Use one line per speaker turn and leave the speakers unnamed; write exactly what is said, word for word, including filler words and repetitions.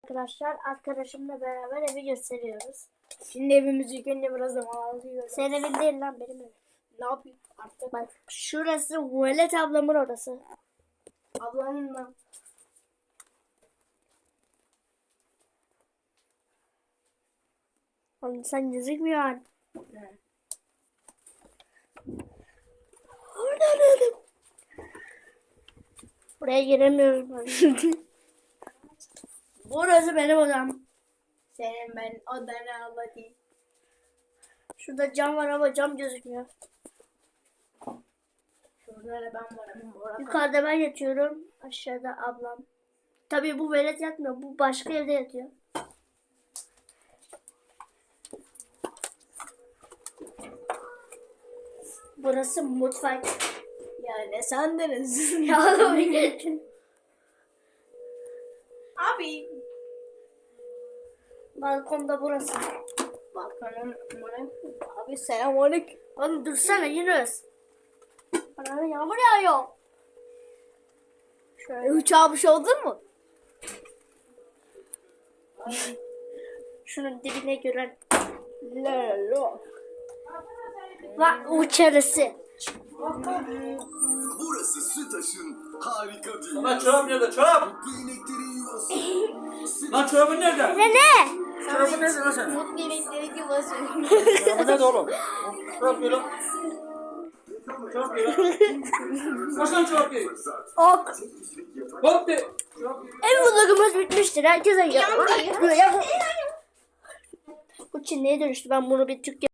Arkadaşlar arkadaşımla beraber evi gösteriyoruz.
Şimdi evimizi ilk önce biraz da mağazayı
Senin evin değil lan, benim evim.
Ne yapayım artık?
Bak şurası Velet ablamın odası.
Ablanın mı?
Oğlum sen gözükmüyorsun.
Ne?
Buraya giremiyoruz. Burası benim odam.
Senin ben odana alayım.
Şurada cam var ama cam gözükmüyor.
Şurada da ben varım. Orada.
Yukarıda ben yatıyorum. Aşağıda ablam. Tabii bu velet yatmıyor. Bu başka evde yatıyor. Burası mutfak.
Ya ne sandınız? Abi.
Balkonda burası.
Bakalım. Abi selamünaleyküm.
Oğlum dursana Yunus. Bana yağmur yağıyor.
E, uçağa bir şey oldu mu?
Şunun dibine gören
Lalo.
var uçarısı.
Burası Sütaş'ın harika dünyası.
Lan çorap nerede? Çorap!
Mutlu ineklerin yuvası.
Lan çorabın nerede?
Ne ne?
Çorabın nerede lan senin?
Mutlu inekleri gibi basıyor.
Çorabın nerede oğlum? Çorap giy lan. Çorap giy lan. Kaç lan çorap giy?
Ok.
Hop de. Çorap giy.
Ev vlogumuz bitmiştir. Herkese ya. Bu Çinli'ye dönüştü. Ben bunu bir Türkçe